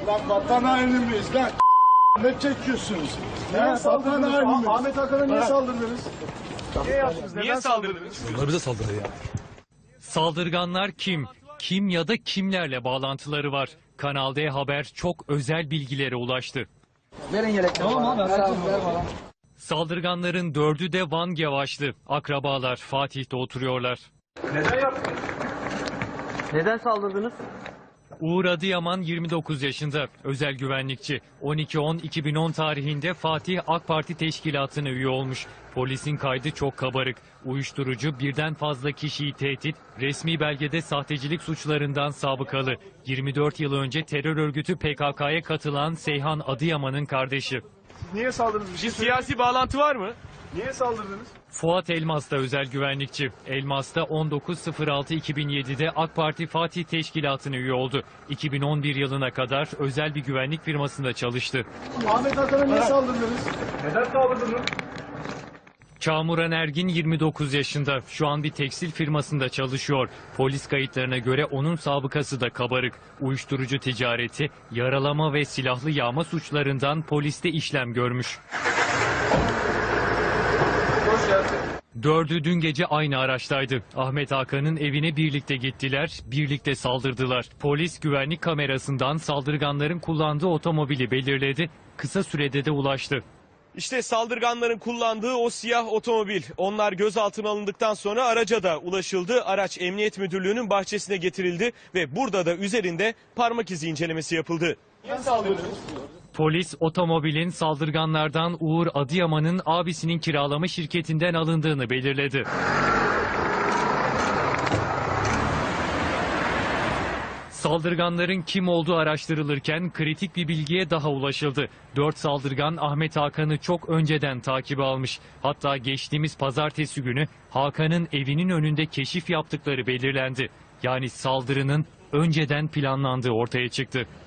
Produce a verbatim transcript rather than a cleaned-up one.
Lan vatan haini miyiz lan? Ne çekiyorsunuz? Ne vatan haini miyiz? Ahmet Hakan'a niye saldırdınız? Niye yaptınız? Niye saldırdınız? Onlar bize saldırdı ya. Saldırganlar kim? Kim ya da kimlerle bağlantıları var? Kanal D Haber çok özel bilgilere ulaştı. Verin yelekleri. Tamam abi. Ver abi, ver bana. Saldırganların dördü de Van Gevaşlı. Akrabalar Fatih'te oturuyorlar. Neden yaptınız? Neden saldırdınız? Uğur Adıyaman yirmi dokuz yaşında, özel güvenlikçi. on iki on iki bin on tarihinde Fatih AK Parti teşkilatına üye olmuş. Polisin kaydı çok kabarık. Uyuşturucu, birden fazla kişiyi tehdit, resmi belgede sahtecilik suçlarından sabıkalı. yirmi dört yıl önce terör örgütü P K K'ya katılan Seyhan Adıyaman'ın kardeşi. Niye saldırdınız? Bir Bir siyasi bağlantı var mı? Niye saldırdınız? Fuat Elmas da özel güvenlikçi. Elmas da on dokuz altı iki bin yedi'de AK Parti Fatih Teşkilatı'na üye oldu. iki bin on bir yılına kadar özel bir güvenlik firmasında çalıştı. Ahmet Hakan'a niye saldırdınız? Neden saldırdınız? Çağmuran Ergin yirmi dokuz yaşında. Şu an bir tekstil firmasında çalışıyor. Polis kayıtlarına göre onun sabıkası da kabarık. Uyuşturucu ticareti, yaralama ve silahlı yağma suçlarından poliste işlem görmüş. Dördü dün gece aynı araçtaydı. Ahmet Hakan'ın evine birlikte gittiler, birlikte saldırdılar. Polis güvenlik kamerasından saldırganların kullandığı otomobili belirledi. Kısa sürede de ulaştı. İşte saldırganların kullandığı o siyah otomobil. Onlar gözaltına alındıktan sonra araca da ulaşıldı. Araç Emniyet Müdürlüğü'nün bahçesine getirildi ve burada da üzerinde parmak izi incelemesi yapıldı. Niye saldırdınız? Polis otomobilin saldırganlardan Uğur Adıyaman'ın abisinin kiralama şirketinden alındığını belirledi. Saldırganların kim olduğu araştırılırken kritik bir bilgiye daha ulaşıldı. Dört saldırgan Ahmet Hakan'ı çok önceden takibe almış. Hatta geçtiğimiz pazartesi günü Hakan'ın evinin önünde keşif yaptıkları belirlendi. Yani saldırının önceden planlandığı ortaya çıktı.